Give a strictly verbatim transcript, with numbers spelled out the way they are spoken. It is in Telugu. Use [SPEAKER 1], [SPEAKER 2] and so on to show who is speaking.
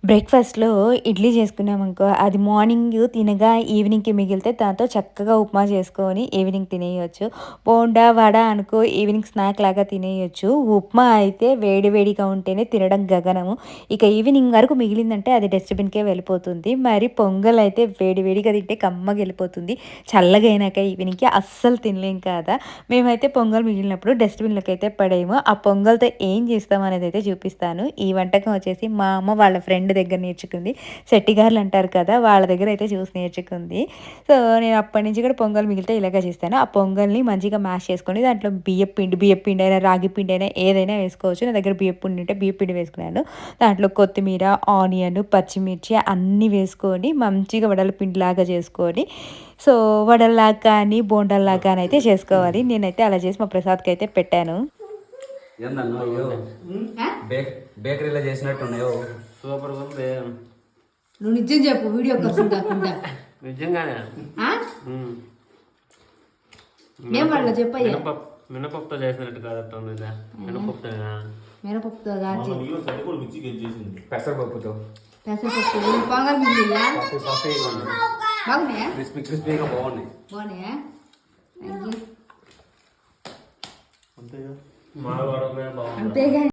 [SPEAKER 1] బ్రేక్‌ఫాస్ట్‌లో ఇడ్లీ చేసుకున్నామనుకో, అది మార్నింగ్ తినగా ఈవినింగ్‌కి మిగిలితే దాంతో చక్కగా ఉప్మా చేసుకొని ఈవినింగ్ తినేయొచ్చు. బోండా, వడ అనుకో ఈవినింగ్ స్నాక్ లాగా తినేయొచ్చు. ఉప్మా అయితే వేడి వేడిగా ఉంటేనే తినడం గగనము. ఇక ఈవినింగ్ వరకు మిగిలిందంటే అది డస్ట్‌బిన్‌కే వెళ్ళిపోతుంది. మరి పొంగలైతే వేడి వేడిగా తింటే కమ్మగెళ్ళిపోతుంది. చల్లగా అయినాక ఈవినింగ్‌కి అస్సలు తినలేం కదా! మేమైతే పొంగల్ మిగిలినప్పుడు డస్ట్‌బిన్‌లోకైతే పడేయము. ఆ పొంగల్‌తో ఏం చేస్తాం అనేదైతే చూపిస్తాను. ఈ వంటకం వచ్చేసి మా అమ్మ వాళ్ళ ఫ్రెండ్ దగ్గర నేర్చుకుంది. శెట్టిగారులు అంటారు కదా! వాళ్ళ దగ్గర అయితే చూసి నేర్చుకుంది. సో, నేను అప్పటి నుంచి కూడా పొంగల్ మిగిలితే ఇలాగే చేస్తాను. ఆ పొంగల్‌ని మంచిగా మ్యాష్ చేసుకొని దాంట్లో బియ్యపు పిండి, బియ్యపు పిండి అయినా, రాగి పిండి అయినా ఏదైనా వేసుకోవచ్చు. నా దగ్గర బియ్యపు పిండి ఉంటే బియ్యపు పిండి వేసుకున్నాను. దాంట్లో కొత్తిమీర, ఆనియన్, పచ్చిమిర్చి అన్నీ వేసుకొని మంచిగా వడల పిండిలాగా చేసుకొని సో, వడల్లాగా కానీ, బోండాల్లాగా కానీ అయితే చేసుకోవాలి. నేనైతే అలా చేసి మా ప్రసాద్‌కైతే పెట్టాను.
[SPEAKER 2] ఏందన్నా అయ్యో బేక్ బేకరీలో చేసినట్టున్నాయో
[SPEAKER 3] సూపర్ ఉంది.
[SPEAKER 4] నువ్వు నిజం చెప్పు వీడియో కోసం కాకుండా.
[SPEAKER 3] నిజంగానే
[SPEAKER 4] ఆ?
[SPEAKER 3] ఉమ్.
[SPEAKER 4] ఏం వాళ్ళ చెప్పయ్యా
[SPEAKER 3] మినపప్పు మినపప్పుతో చేసినట్టు కాదట్టుంది ఇదా మినపప్పుతోనా
[SPEAKER 4] మినపప్పుతో కాచి
[SPEAKER 2] పెసరపప్పుతో
[SPEAKER 4] పెసరపప్పు పొంగల్ మిగిలిందా
[SPEAKER 2] పఫీ పఫీగా ఉన్నాయి.
[SPEAKER 4] బాగున్నాయా
[SPEAKER 2] క్రిస్పీ క్రిస్పీగా బాగున్నాయి.
[SPEAKER 4] బాగున్నాయా థ్యాంక్ యూ
[SPEAKER 3] అంతేగా మా వాడమే బాగుంది.
[SPEAKER 4] అంతేగా